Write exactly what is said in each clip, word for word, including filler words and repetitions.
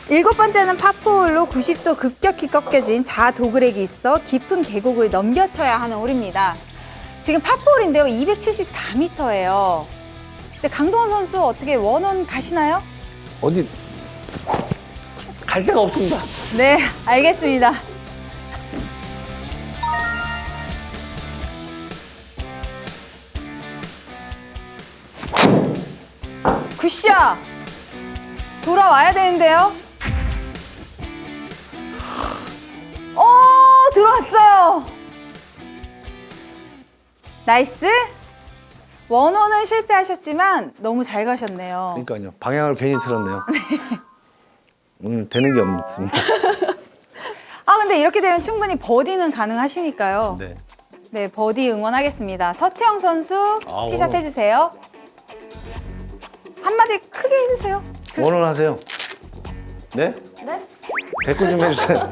일곱 번째는 파포홀로 구십 도 급격히 꺾여진 좌도그렉이 있어 깊은 계곡을 넘겨쳐야 하는 홀입니다. 지금 파포홀인데요. 이백칠십사 미터예요. 근데 강동원 선수 어떻게 원원 가시나요? 어디 갈 데가 없습니다. 네, 알겠습니다. 굿샷! 돌아와야 되는데요. 오, 들어왔어요. 나이스. 원호는 실패하셨지만 너무 잘 가셨네요. 그러니까요. 방향을 괜히 틀었네요. 오늘 되는 게 없습니다. 아, 근데 이렇게 되면 충분히 버디는 가능하시니까요. 네. 네, 버디 응원하겠습니다. 서채영 선수 아, 티샷 원호. 해주세요. 한마디 크게 해주세요. 그- 원원하세요. 네? 네? 댓글 좀 해주세요.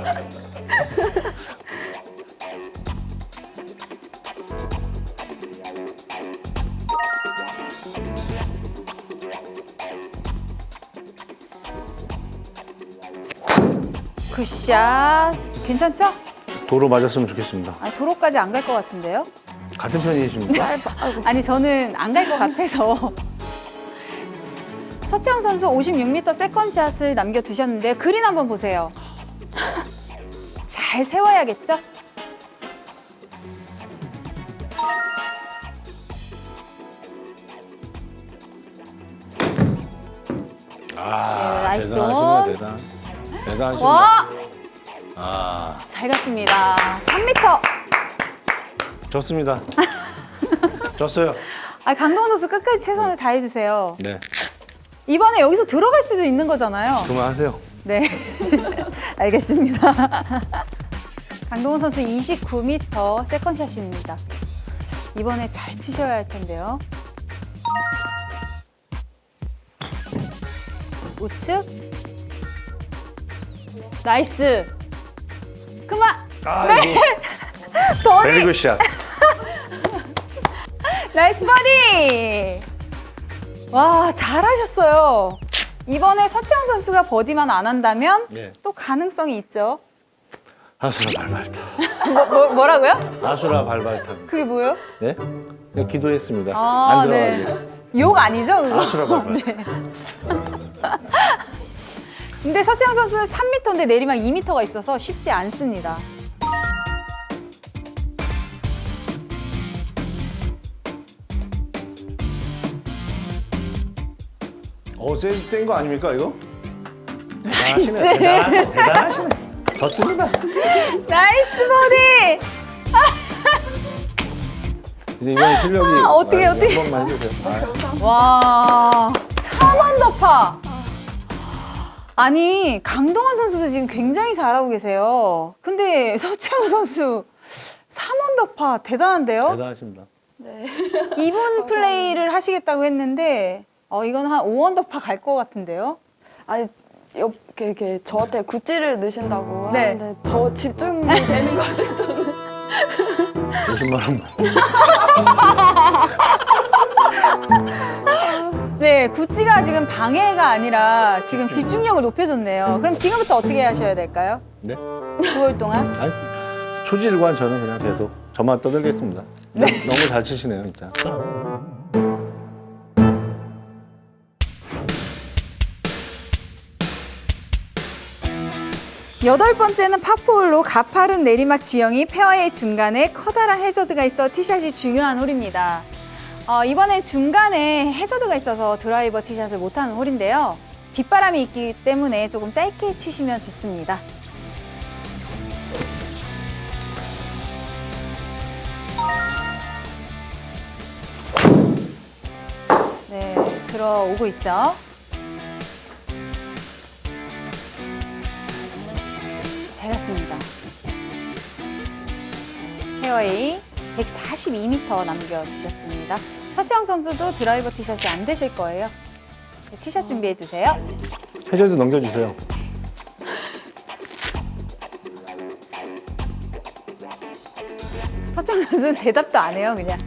굿샷. 괜찮죠? 도로 맞았으면 좋겠습니다. 아니, 도로까지 안 갈 것 같은데요? 같은 편이십니까? 아니, 저는 안 갈 것 같아서. 서채영 선수 오십육 미터 세컨샷을 남겨두셨는데 그린 한번 보세요. 잘 세워야겠죠? 아, 네, 나이스 대단하시네요. 온. 대단. 대단하십니다. 와! 아, 잘 갔습니다. 삼 미터. 좋습니다. 졌어요. 아, 강동원 선수 끝까지 최선을 다해주세요. 네. 이번에 여기서 들어갈 수도 있는 거잖아요. 그만하세요. 네. 알겠습니다. 강동원 선수 이십구 미터 세컨샷입니다. 이번에 잘 치셔야 할 텐데요. 우측. 나이스. 그만. 아이고. 버디. 베리 굿샷. 나이스 버디! 와, 잘하셨어요. 이번에 서채영 선수가 버디만 안 한다면 네. 또 가능성이 있죠. 아수라 발발타. 뭐, 뭐, 뭐라고요? 아수라 발발타. 그게 뭐예요? 네? 그냥 기도했습니다. 아, 안 네. 들어가게. 욕 아니죠, 그거? 아수라 발발. 네. 근데 서채영 선수는 삼 미터인데 내리막 이 미터가 있어서 쉽지 않습니다. 어, 센, 센 거 아닙니까, 이거? 나이스. 대단하시네. 대단, 대단하시네. 좋습니다. 나이스 버디! 이제 이번 실력이. 아, 어떻게, 아, 어떻게. 한 번만 해주세요. 아, 와, 삼 언더파. 아니, 강동원 선수도 지금 굉장히 잘하고 계세요. 근데 서채영 선수 삼 언더파 대단한데요? 대단하십니다. 이분 플레이를 하시겠다고 했는데 어, 이건 한 오 언더파 갈 것 같은데요? 아니 옆 이렇게, 이렇게 저한테 굿즈를 넣으신다고 네. 하는데 더 집중이 되는 것 같아요. 저는. 오십만 원만. 네, 구찌가 지금 방해가 아니라 지금 집중력을 높여줬네요. 그럼 지금부터 어떻게 하셔야 될까요? 네? 구월 동안? 아니, 초질관 저는 그냥 계속 저만 떠들겠습니다. 네. 너무 잘 치시네요, 진짜. 여덟 번째는 파포홀로 가파른 내리막 지형이 페어웨이 중간에 커다란 해저드가 있어 티샷이 중요한 홀입니다. 어, 이번엔 중간에 해저드가 있어서 드라이버 티샷을 못하는 홀인데요. 뒷바람이 있기 때문에 조금 짧게 치시면 좋습니다. 네, 들어오고 있죠. 잘 갔습니다. 페어웨이 백사십이 미터 남겨주셨습니다. 서채영 선수도 드라이버 티샷이 안 되실 거예요. 네, 티샷 준비해 주세요. 해저드 넘겨주세요. 서채영 선수는 대답도 안 해요, 그냥.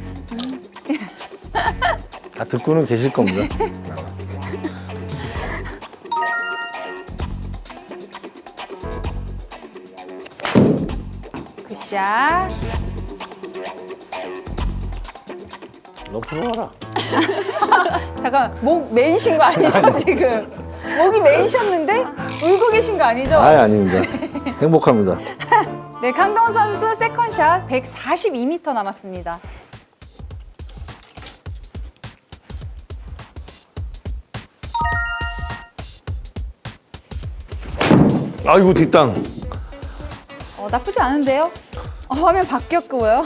다 듣고는 계실 겁니다. 굿샷. 러프로 와라. 잠깐 목 메이신 거 아니죠 지금? 목이 메이셨는데 울고 계신 거 아니죠? 아예 아닙니다. 행복합니다. 네, 강동원 선수 세컨샷 백사십이 미터 남았습니다. 아이고 뒷땅. 어, 나쁘지 않은데요? 어, 화면 바뀌었고요.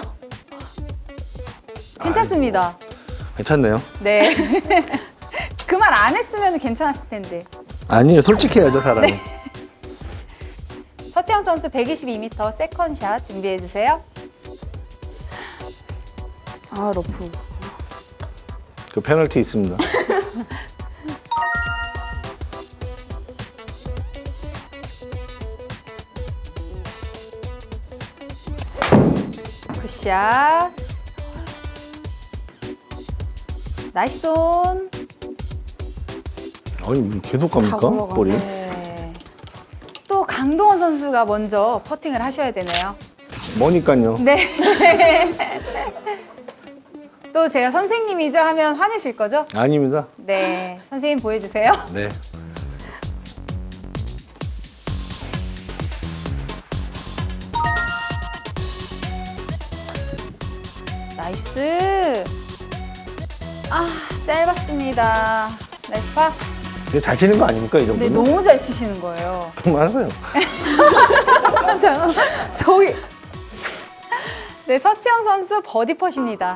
괜찮습니다. 괜찮네요. 네. 그 말 안 했으면 괜찮았을 텐데. 아니요, 솔직해야죠 사람이. 서채영 선수 백이십이 미터 세컨샷 준비해 주세요. 아 러프. 그 페널티 있습니다. 굿샷. 나이스 온. 아니 계속 갑니까 다 굴러가네. 볼이? 네. 또 강동원 선수가 먼저 퍼팅을 하셔야 되네요. 뭐니까요. 네. 또 제가 선생님이죠 하면 화내실 거죠? 아닙니다. 네. 선생님 보여주세요. 네. 나이스. 아, 짧았습니다. 나이스 파. 이게 잘 치는 거 아닙니까 이 네, 정도면? 너무 잘 치시는 거예요. 그만하세요. 잠깐만, 저기. 네, 서채영 선수 버디 퍼십니다.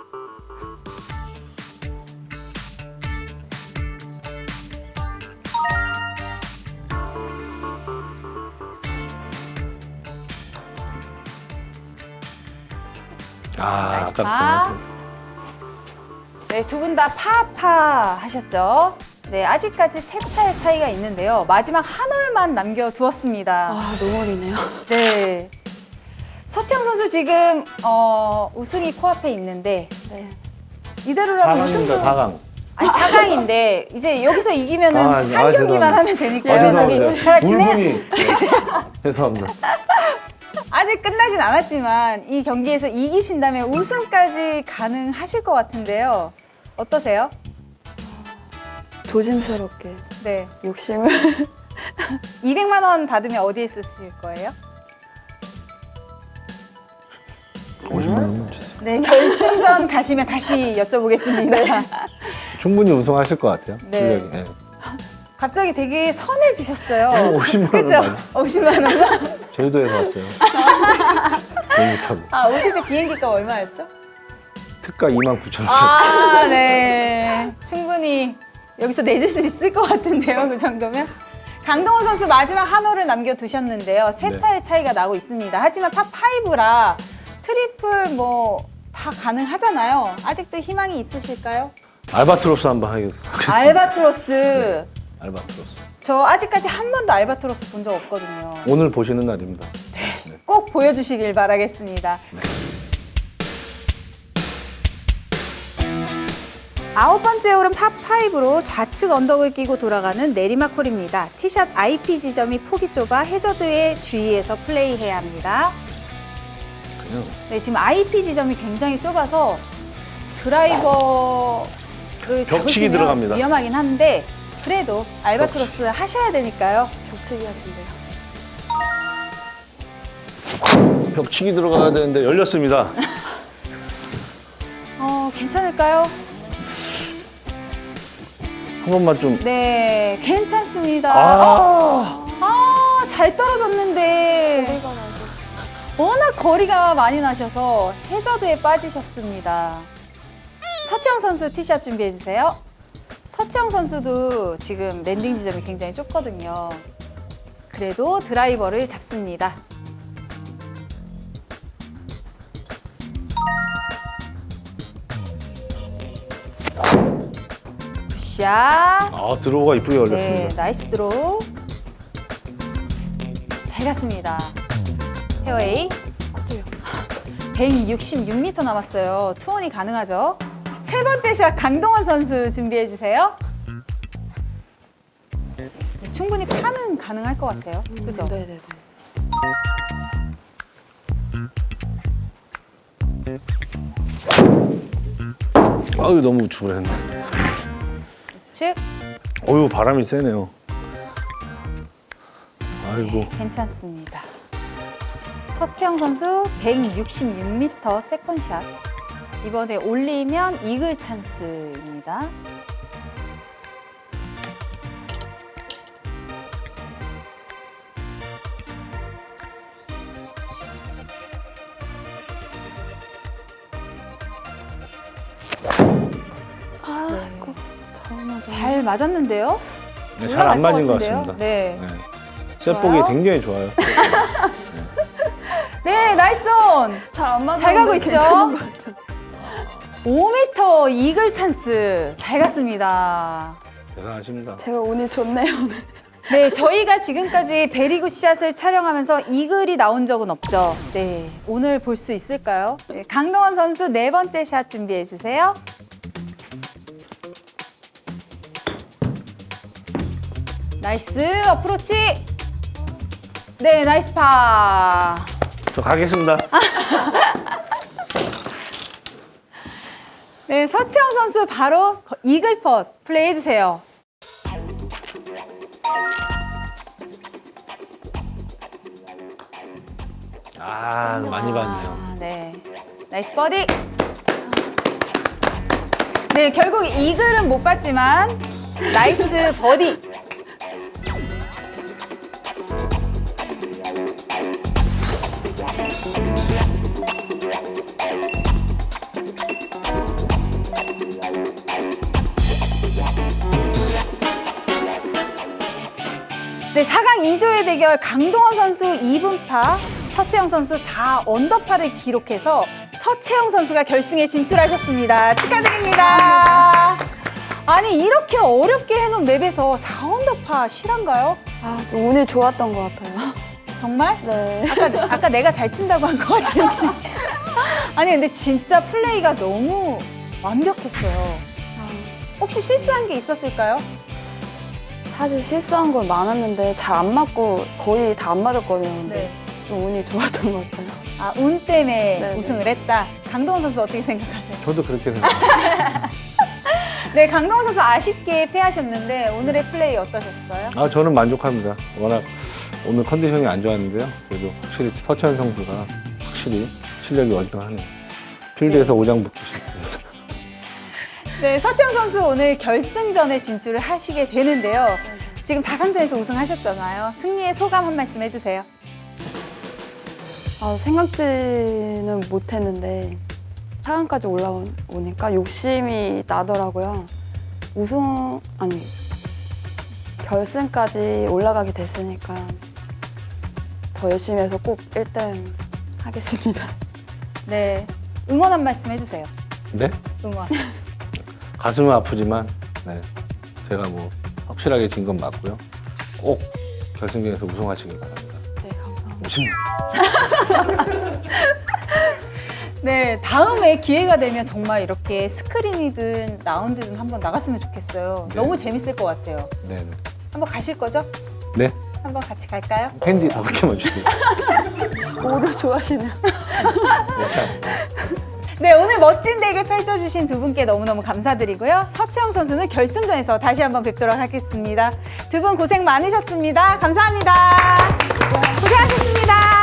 아 나이스 아깝다. 네, 두 분 다 파파 하셨죠? 네, 아직까지 세 타의 차이가 있는데요. 마지막 한 홀만 남겨두었습니다. 아 너무 어리네요. 네. 서채영 선수 지금 어, 우승이 코앞에 있는데 네. 이대로라면 사 강입니다. 우승도 사 강. 아니 사 강인데 이제 여기서 이기면은 아, 한 아, 경기만 죄송합니다. 하면 아, 되니까요. 저기 죄송합니다. 제가 진행 울분이. 네. 죄송합니다. 아직 끝나진 않았지만 이 경기에서 이기신다면 우승까지 가능하실 것 같은데요. 어떠세요? 조심스럽게 네. 욕심을. 이백만 원 받으면 어디에 쓰실 거예요? 오십만 원만 주세요. 네, 결승전 가시면 다시 여쭤보겠습니다. 충분히 우승하실 것 같아요. 네. 실력이. 네. 갑자기 되게 선해지셨어요. 오십만 원 그죠? 많이. 오십만 원이요? 제주도에서 왔어요. 비행기 타고. 아, 오실 때 비행기가 얼마였죠? 특가 이만 구천 원. 아, 네. 충분히 여기서 내줄 수 있을 것 같은데요, 그 정도면. 강동원 선수 마지막 한 홀을 남겨두셨는데요. 세 네. 타의 차이가 나고 있습니다. 하지만 팝오라 트리플 뭐 다 가능하잖아요. 아직도 희망이 있으실까요? 알바트로스 한번 하겠습니다. 알바트로스. 알바트로스. 저 아직까지 한 번도 알바트로스 본 적 없거든요. 오늘 보시는 날입니다. 꼭 보여주시길 바라겠습니다. 아홉 번째 홀은 팝오로 좌측 언덕을 끼고 돌아가는 내리막 홀입니다. 티샷 아이피 지점이 폭이 좁아 해저드에 주의해서 플레이해야 합니다. 그냥 네, 지금 아이피 지점이 굉장히 좁아서 드라이버를 벽치기 잡으시면 들어갑니다. 위험하긴 한데 그래도 알바트로스 하셔야 되니까요. 격치기 하신대요. 벽치기 들어가야 되는데 열렸습니다. 어, 괜찮을까요? 한 번만 좀. 네, 괜찮습니다. 아, 아, 잘 떨어졌는데 거리가 나서. 워낙 거리가 많이 나셔서 해저드에 빠지셨습니다. 서채영 선수 티샷 준비해 주세요. 서채영 선수도 지금 랜딩 지점이 굉장히 좁거든요. 그래도 드라이버를 잡습니다. 굿샷. 아 드로우가 이쁘게 네, 열렸습니다. 나이스 드로우. 잘 갔습니다. 페어웨이. 백육십육 미터 남았어요. 투혼이 가능하죠? 세 번째 샷 강동원 선수 준비해 주세요. 네, 충분히 파는 가능할 것 같아요. 그죠? 네네네. 아유 너무 우측으로 했네. 즉 어유 바람이 세네요. 아이고. 괜찮습니다. 서채영 선수 백육십육 미터 세컨샷. 이번에 올리면 이글 찬스입니다. 아이고 정말 잘 맞았는데요? 네, 잘 안 맞은 것 같은데요? 같습니다. 네. 네. 셋복이 좋아요. 굉장히 좋아요. 네, 나이스 온! 잘안 맞아. 잘 가고 있죠? 오 미터 이글 찬스. 잘 갔습니다. 대단하십니다. 제가 운이 좋네요. 오늘. 네, 저희가 지금까지 베리굿 샷을 촬영하면서 이글이 나온 적은 없죠. 네, 오늘 볼 수 있을까요? 네, 강동원 선수 네 번째 샷 준비해 주세요. 나이스 어프로치. 네, 나이스 파. 저 가겠습니다. 네, 서채영 선수 바로 이글 펫 플레이 해주세요. 아 많이 봤네요. 아, 네, 나이스 버디. 네, 결국 이글은 못 봤지만 나이스 버디. 네, 사 강 이 조의 대결 강동원 선수 이 분파, 서채영 선수 사 언더파를 기록해서 서채영 선수가 결승에 진출하셨습니다. 축하드립니다. 아니, 이렇게 어렵게 해놓은 맵에서 사 언더파 실한가요? 아, 좀 운이 좋았던 것 같아요. 정말? 네. 아까, 아까 내가 잘 친다고 한 것 같은데. 아니, 근데 진짜 플레이가 너무 완벽했어요. 아, 혹시 실수한 게 있었을까요? 사실 실수한 건 많았는데 잘 안 맞고 거의 다 안 맞았거든요. 근데 네. 좀 운이 좋았던 것 같아요. 아, 운 때문에 네, 우승을 했다. 강동원 선수 어떻게 생각하세요? 저도 그렇게 생각합니다. 네, 강동원 선수 아쉽게 패하셨는데 오늘의 플레이 어떠셨어요? 아 저는 만족합니다. 워낙 오늘 컨디션이 안 좋았는데요. 그래도 확실히 서채연 선수가 확실히 실력이 월등하네요. 필드에서 오장 붙고 싶습니다. 네, 서채영 선수 오늘 결승전에 진출을 하시게 되는데요. 지금 사 강전에서 우승하셨잖아요. 승리의 소감 한 말씀 해주세요. 아, 생각지는 못했는데 사 강까지 올라오니까 욕심이 나더라고요. 우승, 아니 결승까지 올라가게 됐으니까 더 열심히 해서 꼭 일 등 하겠습니다. 네, 응원 한 말씀 해주세요. 네? 응원. 가슴은 아프지만 네, 제가 뭐 확실하게 진 건 맞고요. 꼭 결승전에서 우승하시길 바랍니다. 네, 감사합니다. 오십니다. 네, 다음에 기회가 되면 정말 이렇게 스크린이든 라운드든 한번 나갔으면 좋겠어요. 네. 너무 재밌을 것 같아요. 네, 네. 한번 가실 거죠? 네. 한번 같이 갈까요? 캔디 다섯 개만 주세요. 오류 좋아하시네요. 네, 참. 네, 오늘 멋진 대결 펼쳐주신 두 분께 너무너무 감사드리고요. 서채영 선수는 결승전에서 다시 한번 뵙도록 하겠습니다. 두 분 고생 많으셨습니다. 감사합니다. 고생하셨습니다.